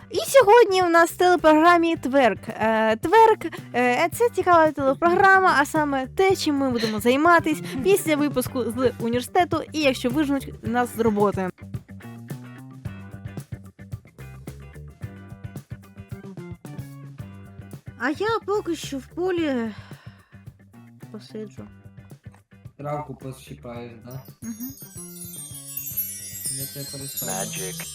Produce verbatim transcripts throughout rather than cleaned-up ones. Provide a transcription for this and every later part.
І сьогодні у нас в телепрограмі Тверк. Е, Тверк е, це цікава телепрограма, а саме те, чим ми будемо займатися після випуску з університету і якщо виженуть нас з роботи. А я поки що в полі посиджу. Травку пощипаєш, да? Угу. Я тебе переставлю. Magic.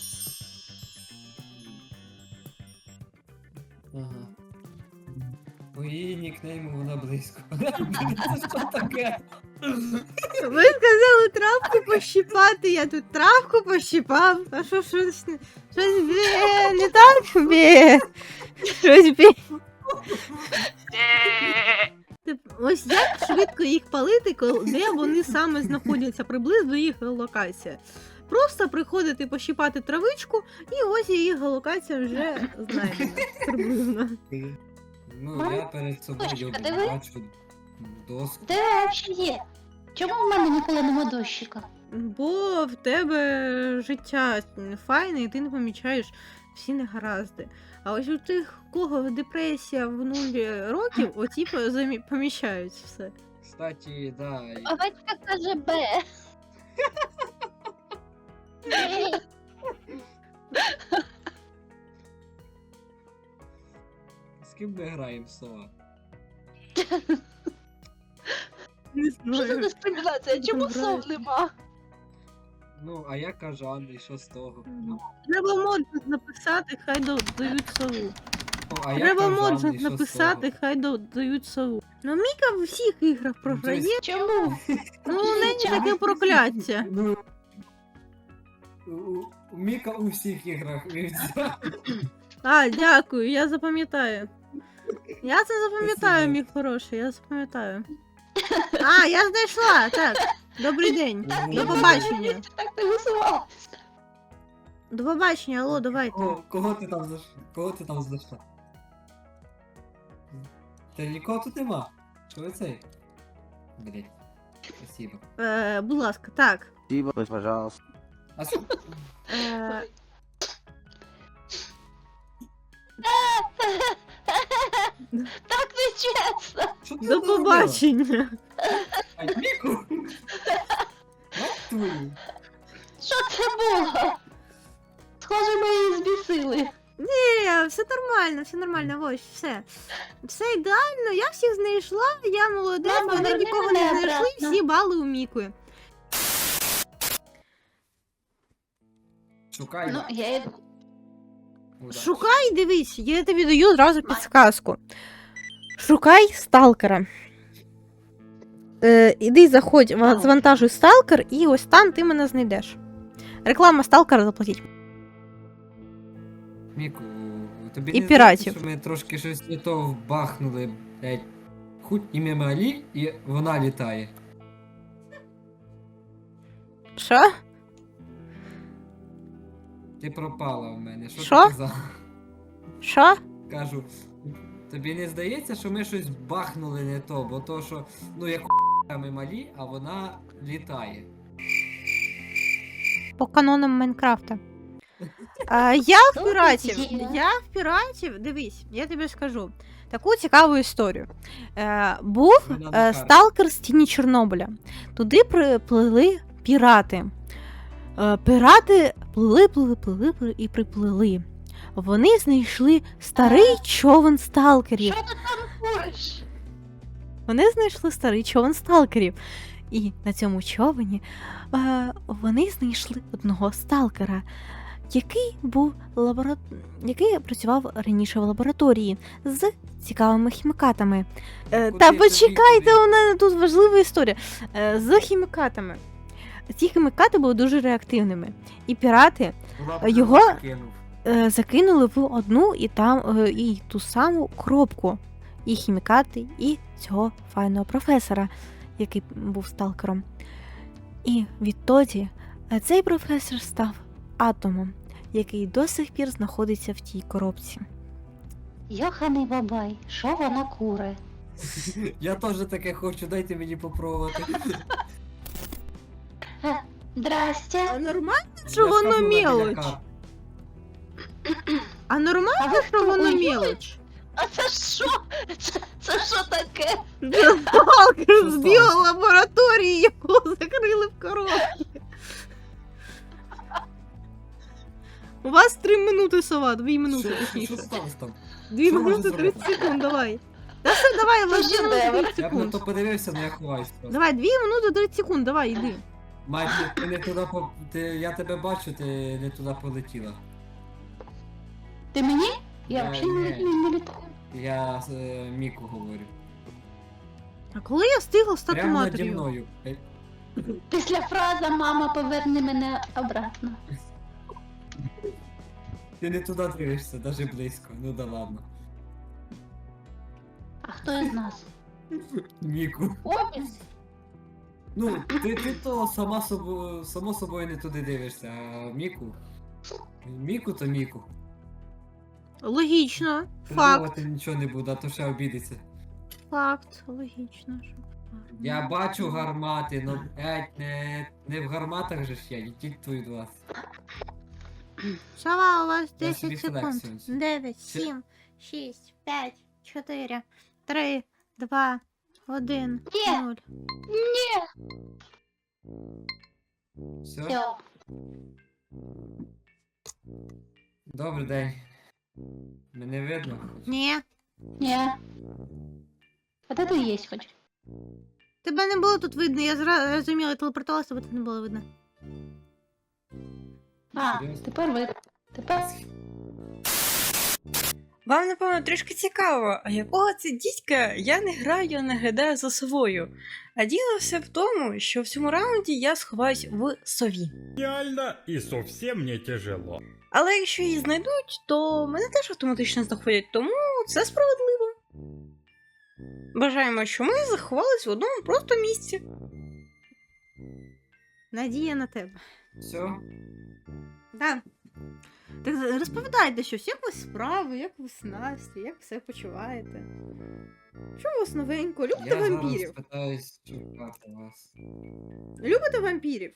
Ага. По її нікнейму вона близько. Це що таке? Ви сказали травку пощипати, я тут травку пощипав. А що щось не щось бє, не так бє. Щось бє. Ось як швидко їх палити, коли де вони саме знаходяться, приблизно їх локація. Просто приходити пощипати травичку, і ось її локація вже знайдена. Приблизно. Ну, я перед собою Дощка, диви. бачу доску. Де взагалі є? Чому в мене ніколи нема дощика? Бо в тебе життя файне, і ти не помічаєш всі негаразди. А ось у тих, у кого депресія в нуль років, оті позамі- поміщають все. Кстати, да. і- Овечка каже Б. З ким ми граємо, Сова? Не Що за дискримінація? Чому Добре. сов нема? Ну, а я кажан, і що з того? Ну, Треба моджент написати, хай додають сову. ну, а я Треба кажан, і моджент що з написати, хай додають сову. Ну Міка в всіх іграх програє, Чому? ну у неї таке прокляття. Ну, у, у, у Міка у всіх іграх. і все. А, дякую, я запам'ятаю. Я це запам'ятаю, Спасибо. мій хороший, я запам'ятаю. А, я знайшла, так. Добрий день. Так, До я побачення. Так не висувала. До побачення, алло, давайте. Кого, кого ти там знайшла? Кого ти там знайшла? Та нікого тут нема. Що ви цей? Блять. Спасибо. Е, будь ласка, так. Спасибо, пожалуйста. А с... Е, Так не чесно. Що ти до наробила? побачення. Ай, Міку! Мать твою! Що це було? Схоже, ми її збісили. Ні, все нормально, все нормально, ось, все. Все ідеально, я всіх знайшла, я молодець, Мама, вони верни нікого мене не знайшли, обратно. всі бали у Міки. Шукай. Ну, я йду. Удачі. Шукай, дивись, я тобі даю одразу підсказку. Шукай сталкера. Е, іди, заходь, ва- завантажуй сталкер, і ось там ти мене знайдеш. Реклама сталкера заплатіть. Міку, тобі І не піратів. здається, що ми трошки щось не то вбахнули, блять. Хуй ім'я Малі, і вона літає. Що? Ти пропала в мене. Що, Що? ти казала? Що? Кажу, тобі не здається, що ми щось бахнули не то, бо то, що, ну як ми малі, а вона літає. По канонам Майнкрафта. А, я в Ну, піратів. є. Я в піратів. Дивись, я тобі скажу таку цікаву історію. Е, був Вона на е, карті. сталкер з тіні Чорнобиля. Туди приплили пірати. Е, пірати плили, плили, плили, плили і приплили. Вони знайшли старий човен сталкерів. Що ти там куриш? Вони знайшли старий човен сталкерів. І на цьому човені е, вони знайшли одного сталкера, який був лабора... який працював раніше в лабораторії з цікавими хімікатами. Е, Куди та тобі почекайте, туди? у мене тут важлива історія. Е, з хімікатами. Ці хімікати були дуже реактивними. І пірати Лапу його- кинув. е, закинули в одну і там е, і ту саму коробку. І хімікати, і цього файного професора, який був сталкером. І відтоді е, цей професор став атомом, який до сих пір знаходиться в тій коробці. Йоханий бабай, що вона куре? Я теж таке хочу, дайте мені попробувати. Здрастя. нормально, Я що ж воно кажу, вона біля мелоч? кар- А нормально, А ви що хто, воно уйобуєте? мелоч? А це що? Це, це що таке? Сталкер Що з сталося? біолабораторії, його закрили в коробці. У вас три минути, сова, дві минути, Що, що, точніше. що сталося там? Дві що можна минути, зробити? тридцять секунд, давай. Та все, давай, Це Влад, дві минути, шедевр. тридцять Я б на секунд. то подивився, але я ховаюсь просто. Давай, дві минути, тридцять секунд, давай, іди. Мать, ти не туди по... Ти, я тебе бачу, ти не туди полетіла. Ти мені? Я Е, взагалі не, ні. не, не літаю. Я з е, Міку говорю. А коли я встигла стати Прямо наді матір'ю? мною. Е, Після фрази «мама, поверни мене обратно». Ти не туди дивишся, навіть близько. Ну да ладно. А хто із нас? Міку. Обі? Ну, ти, ти то сама собою, само собою не туди дивишся, а Міку. Міку то Міку. Логічно. Факт. Придумувати нічого не буде, а то ще обідеться. Факт. Логічно. що- Я бачу гармати, но блять, не, не в гарматах же ж я, який твій до вас. Сова, у вас Я собі десять секунд. флексію. дев'ять, Ще- сім, шість, п'ять, чотири, три, два, один, Ні. нуль. Ні. Все? Все. Добрий день. Мене видно? Ні. Ні. А де ти є хоч? Тебе не було тут видно, я зра- розуміла, телепортувалася, тебе тут не було видно. А, Серйозно? тепер ви. Тепер. Вам, напевно, трішки цікаво, а якого це дідька я не граю, а наглядаю за совою. А діло все в тому, що в цьому раунді я сховаюсь в сові. Реально и совсем не тяжело. Але якщо її знайдуть, то мене теж автоматично знаходять, тому це справедливо. Бажаємо, що ми заховались в одному просто місці. Надія на тебе. Все? Да. Так розповідайте щось, як у вас справи, як ви з Настю, як все почуваєте? Що у вас новенько? Любите Я зараз вампірів? питаюсь шукати вас. Любите вампірів?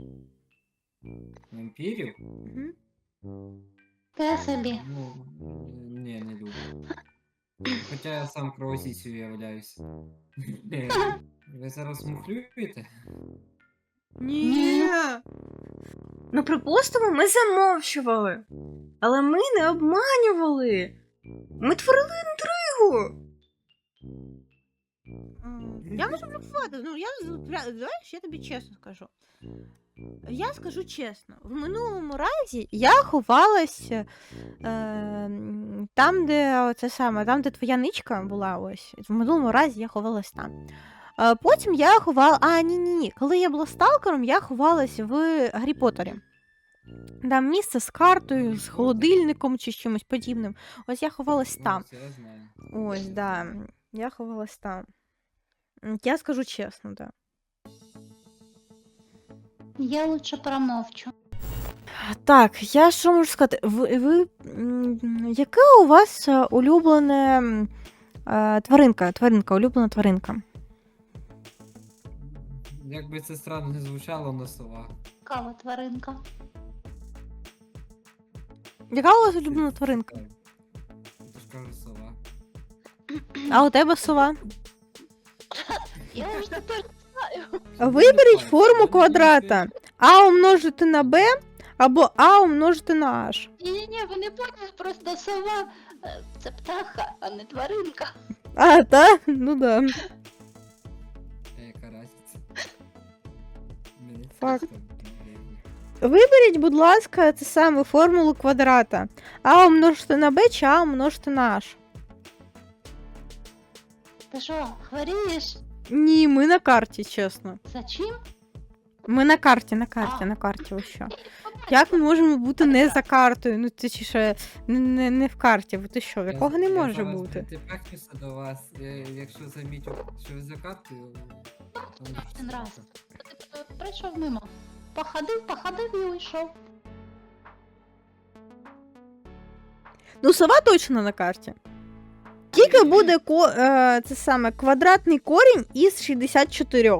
Вампірів? Угу. Те собі. Ну, ні, не люблю. Хоча я сам кровосісю являюсь. Ви зараз мухлюєте? Ні. Ну, припустимо, ми замовчували. Але ми не обманювали. Ми творили інтригу. М, Я можу блокувати, ну я з- пря- знаєш, я тобі чесно скажу. Я скажу чесно, в минулому разі я ховалась е, м, там, де це саме, там, де твоя ничка була, ось. В минулому разі я ховалась там. Е, потім я ховала. А, ні, ні, ні. Коли я була сталкером, я ховалась в Гаррі Поттері. Там місце з картою, з холодильником чи з чимось подібним. Ось я ховалась там. Ну, це я знаю. Ось, да. Я ховалась там. М, Я скажу чесно, да. Я лучше промовчу. Так, я що можу сказати? Ви, ви м, яке у вас е, улюблене м, е, тваринка? Тваринка, улюблена тваринка. Як би це странно не звучало, но сова. Кава тваринка. Яка у вас улюблена тваринка? Я ж кажу сова. А у тебе сова? Я вже тепер знаю. Виберіть Я не форму знаю, квадрата. А умножити на Б або А умножити на H. Ні-ні-ні, ви не поняли, просто сова е, це птаха, а не тваринка. А, та? Ну да. А яка разниця? Мені це Факт. просто, блін. Виберіть, будь ласка, це саме формулу квадрата. А умножити на Б чи А умножити на H. Ти що, хворієш? Ні, ми на карті, чесно. За чим? Ми на карті, на карті, А. на карті, ось що. Як ми можемо бути не за картою? Ну ти чи ще не, не, не в карті, бо ти що, в Я- якого не я може зараз бути? притепехнуся до вас, е, якщо замітю, що ви за картою. то можу Один раз. сказати. Ти, е, Прийшов мимо. Походив, походив і уйшов. Ну, сова точно на карті. Тільки буде ко, е, це саме квадратний корінь із шістдесят чотири.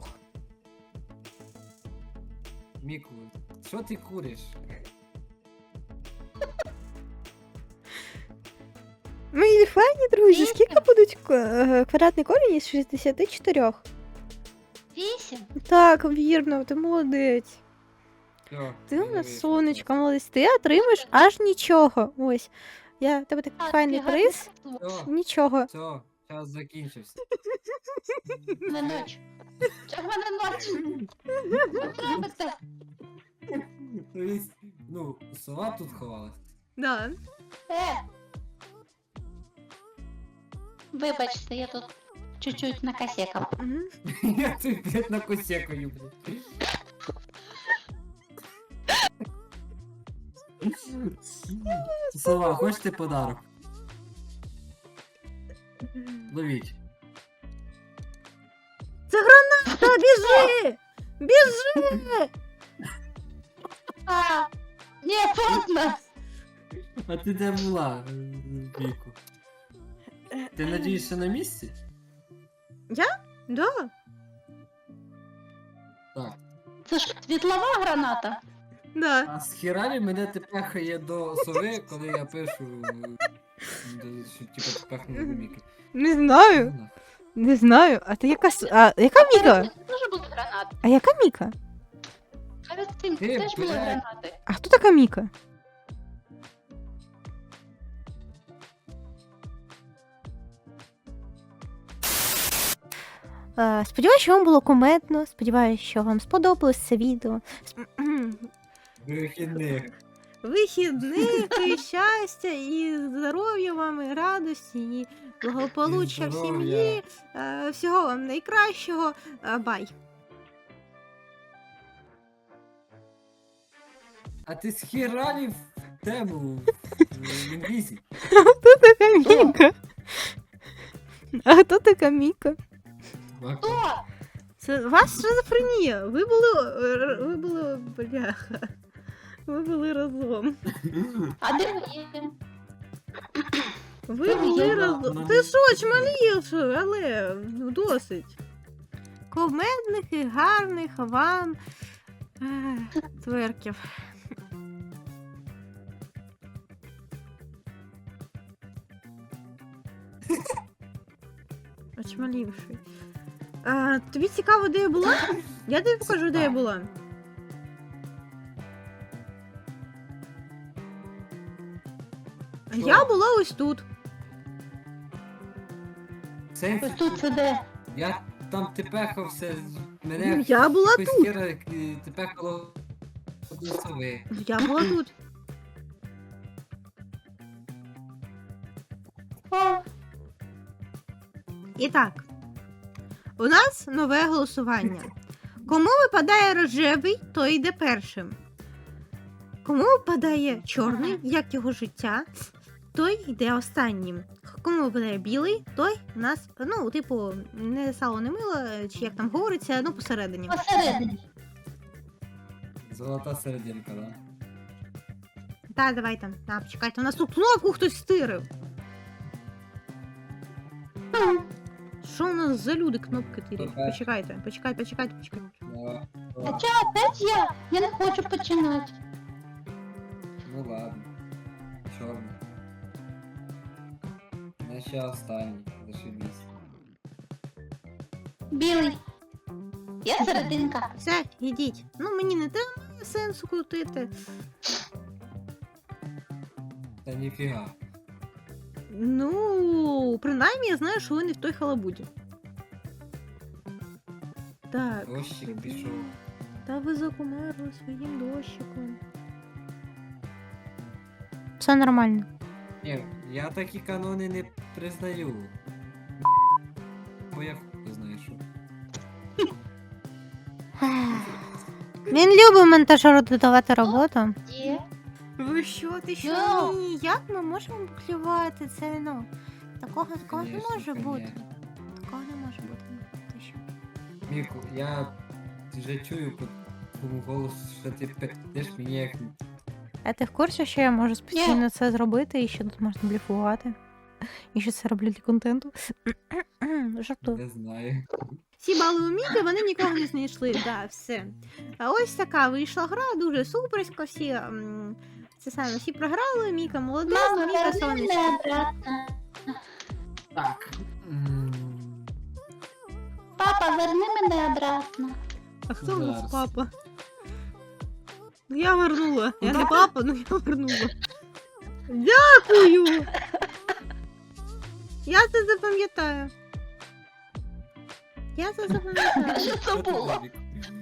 Міку, що ти куриш? файні, друзі. Вісім. Скільки будуть е, квадратний корінь із шістдесят чотири? Вісім. Так, вірно, ти молодець. Все, Ти у мені нас вийшло. сонечко, молодець. Ти отримаєш аж нічого. Ось. Я в тебе такий Так, файний ти гарний приз. хлопець. Все, Нічого. все, час закінчився. Не ноч. Чого в мене ноч? Що ви робите? Тобто, ну, сова тут ховалась. Да. Е. Вибачте, я тут чуть-чуть накосякав. Мгм. Я тут, блядь, на косякою, блядь. Сова, хочете подарок? Ловіть. Та біжи! Біжи! А, ні, поздно. А ти де була, Віку? Ти надієшся на місці? Да. Так. Це ж світлова граната. Да. А з хіралі мене тепехає до сови, коли я пишу, е, що типу тепехнули до Міки. Не знаю. Не знаю. А ти яка с- а, яка Міка? Перед цим теж були гранати. А яка Міка? Перед цим Ти, теж були блядь. гранати. А хто така Міка? Е, Сподіваюся, що вам було кумедно. Сподіваюся, що вам сподобалось це відео. Сп- Вихідних. Вихідних і щастя, і здоров'я вам, і радості, і благополуччя І в здоров'я. сім'ї. Е, Всього вам найкращого. Е, Бай. А ти з хіралі в тему в інглізі? Хто така Міка? А хто така Міка? Хто? Це у вас шизофренія. Ви були. е, Ви були. Бляха. Ви були разом. А де ви є? Ви Це були я. разом. Ну, Ти що, чмалів, але досить. Комедних і гарних вам ех, тверків. Очмалівший. А, тобі цікаво, де я була? Я тобі покажу, де я була. Що? Я була ось тут. Сенсі, Ось тут це де? я там тепехався, з- мене Ну, я була якось тут. хіра е, тепехало до сови. Я була тут. О, І так, у нас нове голосування. Кому випадає рожевий, той йде першим. Кому випадає чорний, як його життя, той йде останнім. Кому випадає білий, той у нас, ну, типу, не сало, не мило, чи як там говориться, ну, посередині. посередині. Золота серединка, да? Так, давай там. Так, почекайте, у нас тут кнопку хтось стирив. Хм. Що у нас за люди кнопки тирять? Супер. Почекайте, почекайте, почекайте, почекайте. Давай. А чо, опять я? Я не хочу починати. Ну ладно. Чорний. Я ще останній, зашибісь. Білий. Я серединка. Все, йдіть. Ну мені не треба сенсу крутити. Та ніфіга. Ну, принаймні я знаю, що ви не в той халабуді. Так. Дощик собі. пішов. Та ви закумерли своїм дощиком. Все нормально. Ні, я такі канони не признаю. Бо я хуй знаю, що. Він любить монтажеру додавати роботу. Є. Ви що, ти що? Ну. Ні, як ми можемо клювати це вино? Такого такого не Конечно, може бути. конечно. Такого не може бути. Ти що? Міку, я вже чую по твоєму голосу, що ти пиздиш мені як. А ти в курсі, що я можу спокійно це зробити і що тут можна бліфувати? І що це роблю для контенту? Жартую. Не знаю. Всі бали у Міки, вони нікого не знайшли. Да, все. А ось така вийшла гра, дуже суперська. Всі м, це саме всі програли. Міка молодець, Мама, Міка верни сонечко. мене обратно. Так. М, Папа, верни мене обратно. А хто у нас Зараз. папа? Ну я вернула. Я не папа, ну я вернула. Дякую! Я це запам'ятаю. Я це запам'ятаю. Що це що ти було? Владик?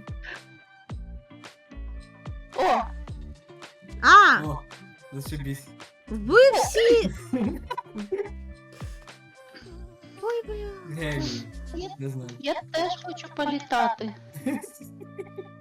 О, А! О, зашибись. Ви всі. Ой, бля. Геній. я, Не знаю. я теж хочу політати.